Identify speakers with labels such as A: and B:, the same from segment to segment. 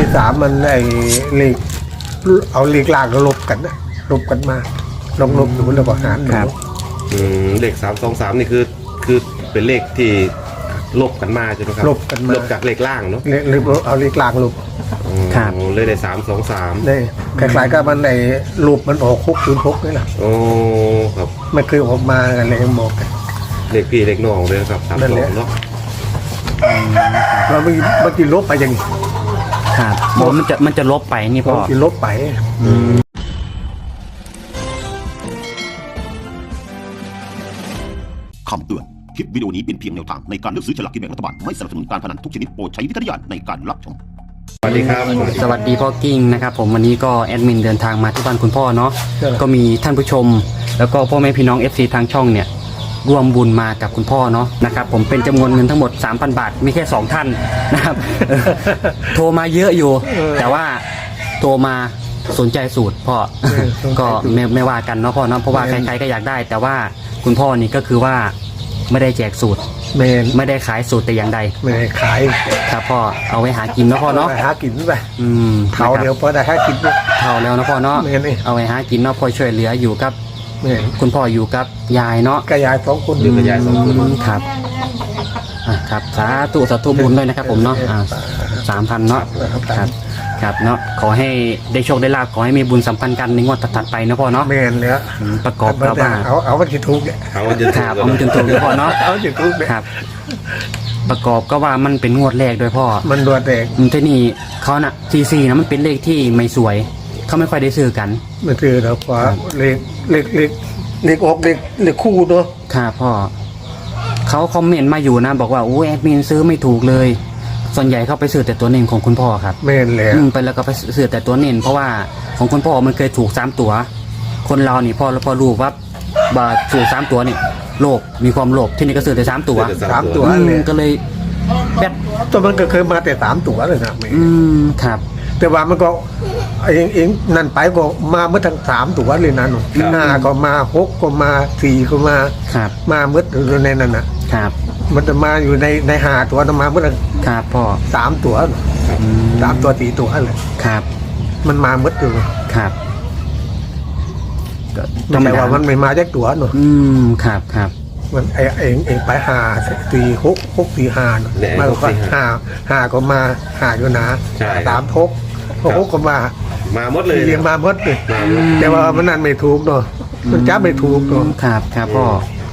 A: ขสามมันไอ้เลขเอาเลขล่างลบกันนะลบกันมาลบดูแล้วก็หารดู
B: เลข323นี่คือเป็นเลขที่ลบกันมาใช่ไหมครับ
A: ลบกันมา
B: ลบจากเลขล่างเนาะ
A: เอาเลขล่างลบ
B: ครับเลยได้323
A: นี่คล้ายๆกับมันไอ้รูปมันออก606นี่แหละ
B: โอ้ครับ
A: ไม่เคยออกมากันเลยบอกกัน
B: เลขพี่เลขน้องเลยครับ32เนาะ
A: เราเมื่อกี้ลบไปอย่างนี้
C: ครับมันจะลบไปนี่พ่อ
A: ลบไป
D: คำเตือนคลิปวิดีโอนี้เป็นเพียงแนวทางในการเลือกซื้อฉลากกินแบ่งรัฐบาลไม่สนับสนุนการพนันทุกชนิดโปรดใช้วิจารณญาณในการรับชม
B: สวัสดีครับ
C: สวัสดีพ่อกิ้งนะครับผมวันนี้ก็แอดมินเดินทางมาที่บ้านคุณพ่อเนาะก็มีท่านผู้ชมแล้วก็พ่อแม่พี่น้อง FC ทางช่องเนี่ยร่วมบุญมากับคุณพ่อเนาะนะครับผมเป็นจำนวนเงินทั้งหมด 3,000 บาทมีแค่2ท่านนะครับ โทรมาเยอะอยู่แต่ว่าโทรมาสนใจสูตรพ่อก็ไม่ว่ากันเนาะพ่อเนาะเพราะว่าใครๆก็อยากได้แต่ว่าคุณพ่อนี่ก็คือว่าไม่ได้แจกสูตรไม่ได้ขายสูตรแต่อย่างใด
A: ไม่ได้ขาย
C: ครับพ่อเอาไว้หากินเนาะพ่อเนาะ
A: หากินไปเท่าเดียวพอได้หากิน
C: เท่าแล้วนะพ่อเนาะเอาไว้หากินเนาะพ่อช่วยเหลืออยู่กับคุณพ่ออยู่กับยายเนาะ
A: กับยาย2 คน
B: อยู่กับยาย2 คน
C: ครับครับสาธุบุญด้วยนะครับผมเนาะ3,000เนาะครับเนาะขอให้ได้โชคได้ลาภขอให้มีบุญสัมพันธ์กันในงวดถัดไปนะพ่อเนาะ
A: แม่นแล้ว
C: ประกอบกับว่า
A: เอาวันที่ถูกเนี่ย
B: เอาวันที่ถูก
C: เอาวันที่ถูกพ่อเนาะ
A: เอาวันที่ถูก
C: ครับประกอบก็ว่ามันเป็นงวดแรกด้วยพ่อ
A: มันงวดแรก
C: ที่นี่เขาน่ะ44นะมันเป็นเลขที่ไม่สวยเขาไม่ค่อยได้ซื้อกัน
A: ไม่ซื้อแล้วเพราะเลขออกเลขคู่เนาะ
C: ครับพ่อเขาคอมเมนต์มาอยู่นะบอกว่าโอ้แอดมินซื้อไม่ถูกเลยส่วนใหญ่เขาไปซื้อแต่ตัวเน้นของคุณพ่อครับ
A: แม่นแล้ว
C: ไปแล้วก็ไปซื้อแต่ตัวเน้นเพราะว่าของคุณพ่อมันเคยถูก3ตัวคนเรานี่พ่อรู้ว่าถูก3ตัวนี่โลภมีความโลภที่นี่ก็ซื้อแต่3ตัวก็เลย
A: แบบตัวมันก็เคยมาแต่3ตัวเลยนะครับแต่ว่ามันก็เองนั่นไปก็มาเมื่อทั้ง3ตัวเลยนะหนู5ก็มา6ก็มา4ก็มามาเมื่อในนั้นนะครับมันจะมาอยู่ใน5ตัวมาเมื่อ
C: ครับพ่อ
A: 3ตัว3ตัว4ตัวเลย
C: ครับ
A: มันมาเมื่ออยู่
C: ครับ
A: แต่ว่ามันไม่มาจากตัวหนู
C: ครับ
A: มันเองไป5 4 6 6 4 5มาก็5ก็มา5อยู่นะ3 6ก็มา
B: หมดเลย
A: เรียงมาหมดเลยแต่ว่ามันนั่นไม่ถูกเนาะมันจับไม่ถูกเนาะ
C: ครับพ่อ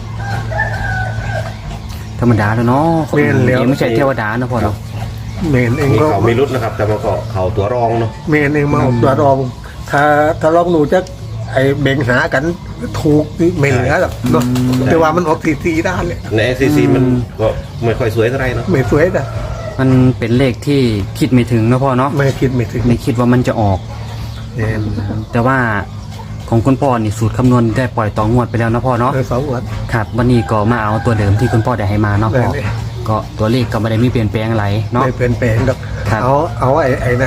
C: ธรรมดาแล้วเนาะไม่ใช่เทวดานะพ่อเนาะ
A: เมนเองก็
B: เขาไม่รุดนะครับแต่มาก็เขาตัวรองเนาะ
A: เมนเองมาตัวรองถ้าลองหนูจะไอเบ่งหากันถูกไม่เหลือหรอกเนาะแต่ว่ามันออกซีด้านเลย
B: ในซีมันก็ไม่ค่อยสวยเท่าไรเนาะ
A: ไม่สวยแต่
C: มันเป็นเลขที่คิดไม่ถึงนะพ่อเนาะ
A: ไม่คิด
C: ว่ามันจะออกแต่ว่าของคุณพ่อนี่สูตรคำนวณได้ปล่อยต่องวดไปแล้วนะพ่อเนาะ
A: 2 งวด
C: ครับวันนี้ก็มาเอาตัวเดิมที่คุณพ่อได้ให้มาเนาะพ่อก็ตัวเลขก็ไม่ได้มีเปลี่ยนแปลงอะไรเนาะ
A: ไม่เปลี่ยนแปลงหรอกเอาไอ้นั่น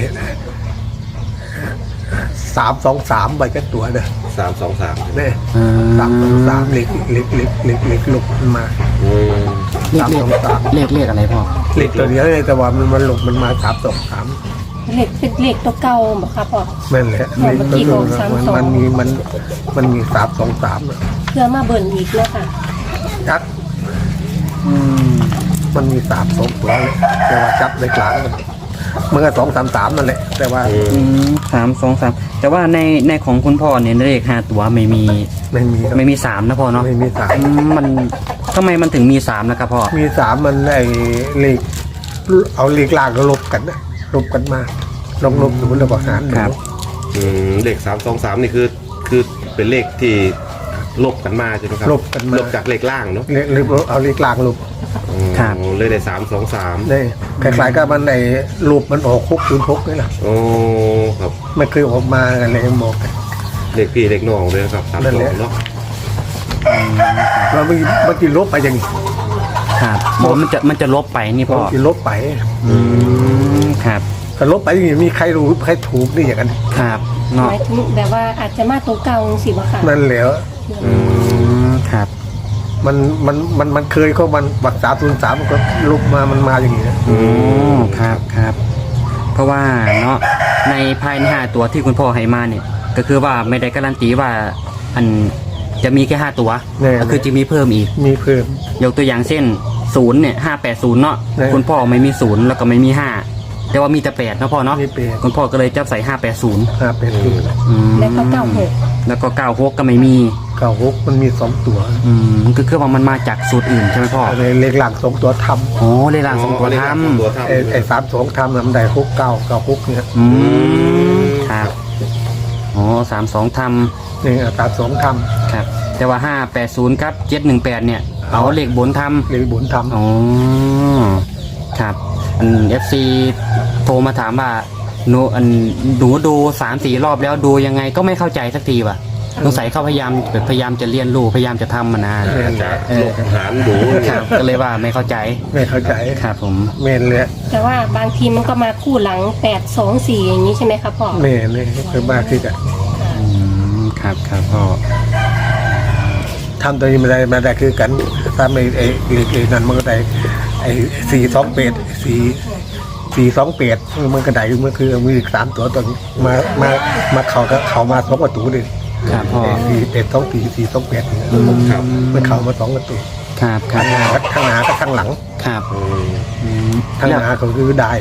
A: 323ใบกันตัวเด้อ
B: 323
A: เนี่ย323เล็กลุกมา
C: เลขอะไรพ่อ
A: เลขตัวเดียวเลยแต่ว่ามันลุกมันมา323
E: เลขเป็นเลขตัวเก่าบ่ครับพ่อ
A: แม่นแหละเลขตัวมันมี323
E: เพื่อมาเบิ่นอีกแล้วค่ะ
A: จัดมันมี32ตัวเลยแต่ว่าจับในกลางมันก็233นั่นแหละแต่ว่า
C: 323แต่ว่าในของคุณพ่อเนี่ยเลข5ตัวไม่มี3นะพ่อเนาะ
A: ไม่มี3
C: มันทำไมมันถึงมี3นะครับพ่อ
A: มี3มันไอ้เลขเอาเลขล่างลบกันนะลบกันมาลบดูแล้วก็หาร
C: ครับ
B: เลข323นี่คือเป็นเลขที่ลบกันมาใช่ไหมครับลบจากเลขล่างเนาะ
A: เอาเลขล่างลบ
B: เลยได้323
A: นี่คล้ายๆกับมันในรูปมันออก606นี่แหละ
B: โอ้ครับ
A: ไม่เคยออกมากันเลยบอก
B: เลขพี่เลขน้องเลยครับ32เนาะ
A: เราเมื่อกี้ลบไปอย่างนี้
C: ครับมันจะลบไปนี่พ่อ
A: ลบไป
C: ครับ
A: ถ้าลบไปอย่างนี้มีใครรู้ใครถูกนี่อย่างนั้น
C: ครับเนาะ
E: แบบว่าอาจจะมาตัวเก่าสิบ่ค่ะ
A: นั่นแหละ
C: ครับ
A: มันเคยเขามันบัก303ก็ลุกมามันมาอย่างนี้
C: ครับพราะว่าเนาะในภายใน5ตัวที่คุณพ่อให้มาเนี่ยก็คือว่าไม่ได้การันตีว่าอันจะมีแค่5ตัวก็คือจะมีเพิ่มอีก
A: มีเพิ่ม
C: ยกตัวอย่างเช่น0เนี่ย580เนาะ
A: แน่
C: คุณพ่อไม่มี0แล้วก็ไม่มี5แต่ว่ามีแต่8เนาะพ่อเนาะ
A: มี8
C: คุณพ่อก็เลยจับใส่580
A: 580
E: แล้วก็96
C: แล้วก็96ก็ไม่มี
A: 96มันมี2ตัว
C: ก็คือว่ามันมาจากสูตรอื่นใช่ไหมพ่อ
A: อะไรเลขหลัง2ตัวทำ
C: โอ้เลขล่างสองตัวท
B: ตัวทำ
A: ไอ้32ทำนำได้6996เนี่ย
C: ำครับอ๋อ32ท
A: นี่32ท
C: ำครับแต่ว่า580กับ718เนี่ยเอาเลขบนท
A: ำเลขบุญทำ
C: ำอ๋อครับFC โทรมาถามว่าหนูดู3-4 รอบแล้วดูยังไงก็ไม่เข้าใจสักทีว่ะสงสัยเขาพยายามจะเรียนรู้พยายามจะทำมันนะ
B: จะลงหารดู
C: ครับก็เลยว่าไม่เข้าใจ
A: ไม่เข้าใจ
C: ครับผม
A: เมนเลย
E: แต่ว่าบางทีมันก็มาคู่หลัง824อย่างนี้ใช่ไหมคะพ่อ
A: เมนเลยคือมากที่จะ
C: ครับครับพ่อ
A: ทำตัวนี้มาได้คือกันถ้าไม่ไอ้นั่นมันก็ได้ไอ้428มันก็ได้มันคือมีอีก3ตัวตัวนี้มาเขามา2ประตูเลย
C: ครับพ่อ
A: 428
B: ครับ
A: มันเข้ามา2ประตู
C: ครับครับพ่อ
A: ข้างหน้ากับข้างหลัง
C: ครับ
A: ข้างหน้าก็คือได้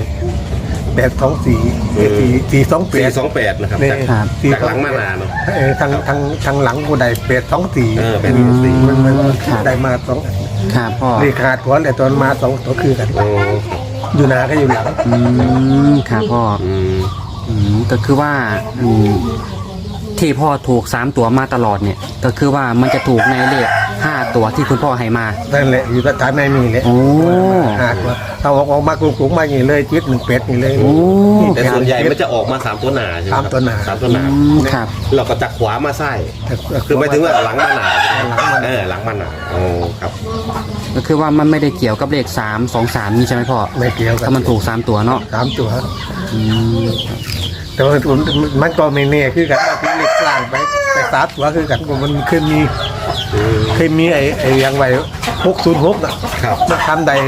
A: 824 428
B: นะครับ
A: เนี่ย
B: จากหลังมานาเนาะ
A: ทางหลังก็ได้824
B: 824
A: มันได้มา2
C: ครับพ่อ
A: เลขาตัวแต่ตอนมา2ตัวคือกัน
B: โอ้
A: อยู่หน้าก็อยู่หลัง
C: ครับพ่อ ก็คือว่าที่พ่อถูก3ตัวมาตลอดเนี่ยก็คือว่ามันจะถูกในเลข5ตัวที่คุณพ่อให้มา
A: นั่นแหละอยู่สถานในมีเลย
C: โอ้
A: ตัวเอาออกมากรุงๆมาอย่างนี้เลยจิต18นี่เลย
C: โอ้
B: แต่ส่วนใหญ่มันจะออกมา3ตัวหนาใช่ไหมครับ
A: 3ตัวหนา
B: 3ตัวหนา
C: ครับ
B: เราก็จากขวามาไส้คือหมายถึงว่าหลังมาหนาหลังมาหนาโอ้ครับ
C: ก็คือว่ามันไม่ได้เกี่ยวกับเลข323นี่ใช่ไหมพ่อ
A: ไม่เกี่ยวกัน
C: ถ้ามันถูก3ตัวเนาะ
A: 3ตัวแต่ว่ามันก็ไม่แน่คือกันที่เล็กกลางไป3ตัวคือกันมันเคยมีไอ้ยังไว้606น่ะ
B: ครับ
A: มันทำได้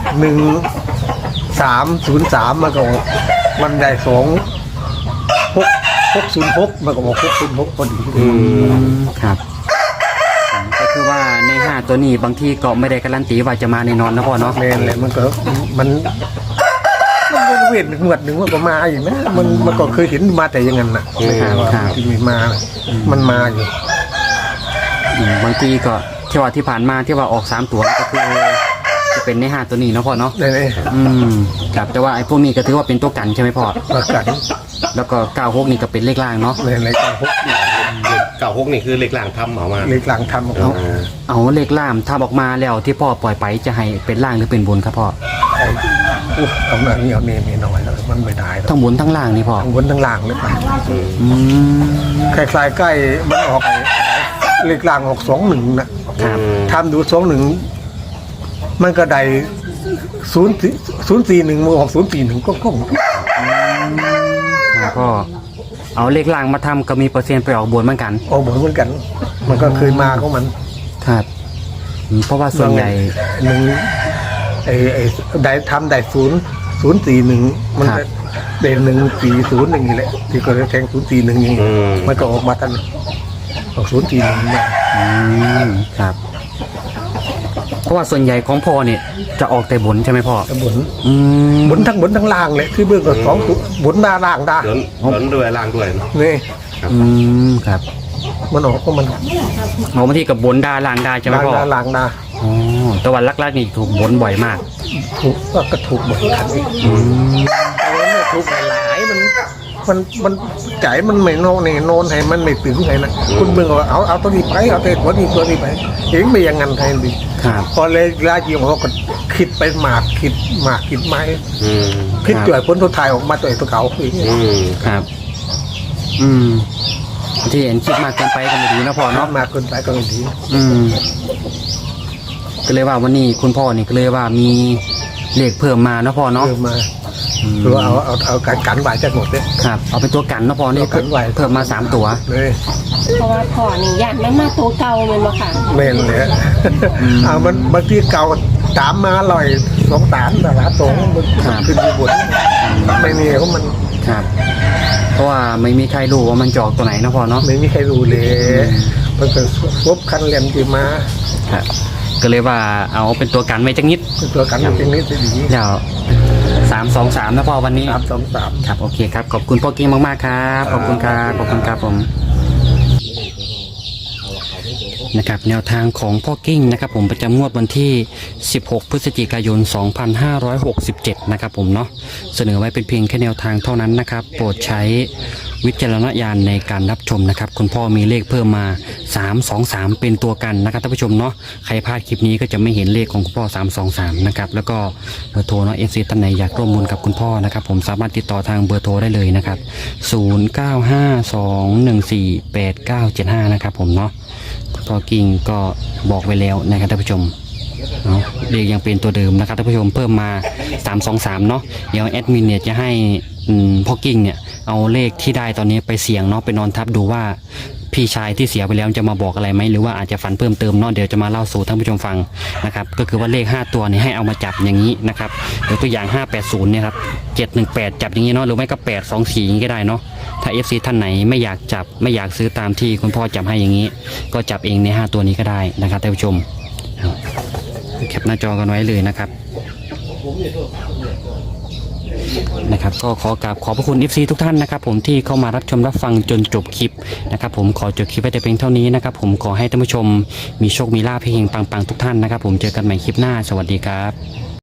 A: 1303มันก็มันได้606มันก็บอก606พอดี
C: ครับก็คือว่าใน5ตัวนี้บางทีก็ไม่ได้การันตีว่าจะมาแน่นอนนะพ่อเนาะ
A: แม่นเลยมันเวทหมวดหนึ่งมันก็มาอยู่นะมันก็เคยเห็นมาแต่อยังงั้นน่ะที่มีมามันมาอยู่
C: บางทีก็ที่ผ่านมาที่ว่าออก3ตัวก็คือจะเป็นใน5ตัวนี้เนาะพ่อเนาะ
A: เลย
C: ครับแต่ว่าไอ้พวกนี้ก็ถือว่าเป็นตัวกันใช่ไหมพ่อ
A: ประกัน
C: แล้วก็96นี่ก็เป็นเลขล่างเนาะ
A: เลยการพก
B: 96นี่คือเลขหลังทำออกมา
A: เลยกลางทำ
C: เอาเลขล่างถ้าออกมาแล้วที่พ่อปล่อยไปจะให้เป็นล่างหรือเป็นบนครับพ่อ
A: เอาหน่อยนี่เอาเนี่ยหน่อยแล้วมันไม่ได้
C: ทั้งบนทั้งล่างนี่พ่อ
A: ทั้งบนทั้งล่างเลยไป
C: อืม
A: คล้ายๆใกล้มันออกเลขล่างออก21นะครับ ทำดู21มันก็ได้041มันออก041ก็คง
C: ครับพ่อเอาเลขล่างมาทำก็มีเปอร์เซ็นต์ไปออกบนเหมือนกัน
A: ออกเหมือนกัน มันก็เคยมาของมัน
C: ครับเพราะว่าส่วนใหญ่
A: หนึ่งไอ้ได้ทำได้041มันก็ได้140อย่างนี้แหละที่ก็เลยแทง041อย่างนี้มันก็ออกมาทันออก041มา
C: ครับเพราะว่าส่วนใหญ่ของพ่อเนี่ยจะออกแต่บนใช่ไหมพ่อ
A: บน
C: บน
A: บนทั้งล่างเลยคือเบื้องก็2ตัวบนมาล่างได้
B: ล้นด้วยล่างด้วย
A: นี่
C: ครับ
A: มันออกก็มัน
C: เอาบางทีกับบนดาล่างดาใช่ไหม
A: ล่าง
C: พ่อ
A: ได้ล่างได้
C: อ๋อแต่วันลักๆนี่ถูกบนบ่อยมาก
A: ถูกก็ถูกหมดคันนี้ไม่ถูกหลายมันใจมันไม่โนนให้มันไม่ถึงไงนะคุณเบื้องว่าเอาตัวนี้ไปเอาตัวนี้ไปเองไม่อย่างนั้นไงดิ
C: ครับ
A: พอเลยลาจีของเขาก็คิดไปหมากคิดไม้คิดจ่วยพ้นตัวถ่ายออกมาตัวเก่าอย่างนี้
C: ครับ ที่เห็นคิดมากเกินไปก็ไม่ดีนะพ่อเนาะ
A: มากเกินไปก็ไม่ดี
C: ก็เลยว่าวันนี้คุณพ่อนี่ก็เลยว่ามีเลขเพิ่มมานะพ่อเนาะ
A: เพิ่มมาหรือว่าเอากันไหวจากหมดเลย
C: ครับเอาเป็นตัวกันนะพ่อนี่
A: เอากันไว้
C: เพิ่มมา3ตัว
A: เลย
E: เพราะว่าพ่อนี่ญาติมันมาตัวเก่าเลยมาค่ะ
A: เมนเลยเอามันบางทีเก่าตามมาลอย2 3 3 2มันขึ้นอยู่บนไม่มีเพราะมัน
C: ครับเพราะว่าไม่มีใครรู้ว่ามันจะออกตัวไหนนะพ่อเนาะ
A: ไม่มีใครรู้เลยมันเป็นครบคันเหลี่ยมที่มา
C: ครับก็เลยว่าเอาเป็นตัวกันไว้จังนิด
A: เป็นตัวกันจริงๆนี่จะดี
C: เดี๋ยว323นะพ่อวันนี้
A: 323
C: ครับโอเคครับขอบคุณพ่อกิ้งมากๆครับขอบคุณครับขอบคุณครับผมนะครับแนวทางของพ่อกิ้งนะครับผมประจำงวดวันที่16พฤศจิกายน2567นะครับผมเนาะเสนอไว้เป็นเพียงแค่แนวทางเท่านั้นนะครับโปรดใช้วิจารณญาณในการรับชมนะครับคุณพ่อมีเลขเพิ่มมา323เป็นตัวกันนะครับท่านผู้ชมเนาะใครพลาดคลิปนี้ก็จะไม่เห็นเลขของคุณพ่อ323นะครับแล้วก็เบอร์โทรเนาะ FC ท่านไหนอยากร่วมบุญกับคุณพ่อนะครับผมสามารถติดต่อทางเบอร์โทรได้เลยนะครับ0952148975นะครับผมเนาะคุณพ่อกิ้งก็บอกไว้แล้วนะครับท่านผู้ชมเนาะเลขยังเป็นตัวเดิมนะครับท่านผู้ชมเพิ่มมา323เนาะเดี๋ยวแอดมินเนี่ยจะให้พ่อกิ้งเนี่ยเอาเลขที่ได้ตอนนี้ไปเสี่ยงเนาะไปนอนทับดูว่าพี่ชายที่เสียไปแล้วจะมาบอกอะไรไหมหรือว่าอาจจะฝันเพิ่มเติมเนาะเดี๋ยวจะมาเล่าสู่ท่านผู้ชมฟังนะครับก็คือว่าเลข5ตัวเนี่ยให้เอามาจับอย่างนี้นะครับยกตัวอย่าง580เนี่ยครับ718จับอย่างนี้เนาะหรือไม่ก็824อย่างนี้ก็ได้เนาะถ้า FC ท่านไหนไม่อยากจับไม่อยากซื้อตามที่คุณพ่อจับให้อย่างนี้ก็จับเองใน5ตัวนี้ก็ได้นะครับท่านผู้ชมแคปหน้าจอกันไว้เลยนะครับก็ขอกราบขอบพระคุณ FC ทุกท่านนะครับผมที่เข้ามารับชมรับฟังจนจบคลิปนะครับผมขอจบคลิปไว้แต่เพียงเท่านี้นะครับผมขอให้ท่านผู้ชมมีโชคมีลาภเฮงปังๆทุกท่านนะครับผมเจอกันใหม่คลิปหน้าสวัสดีครับ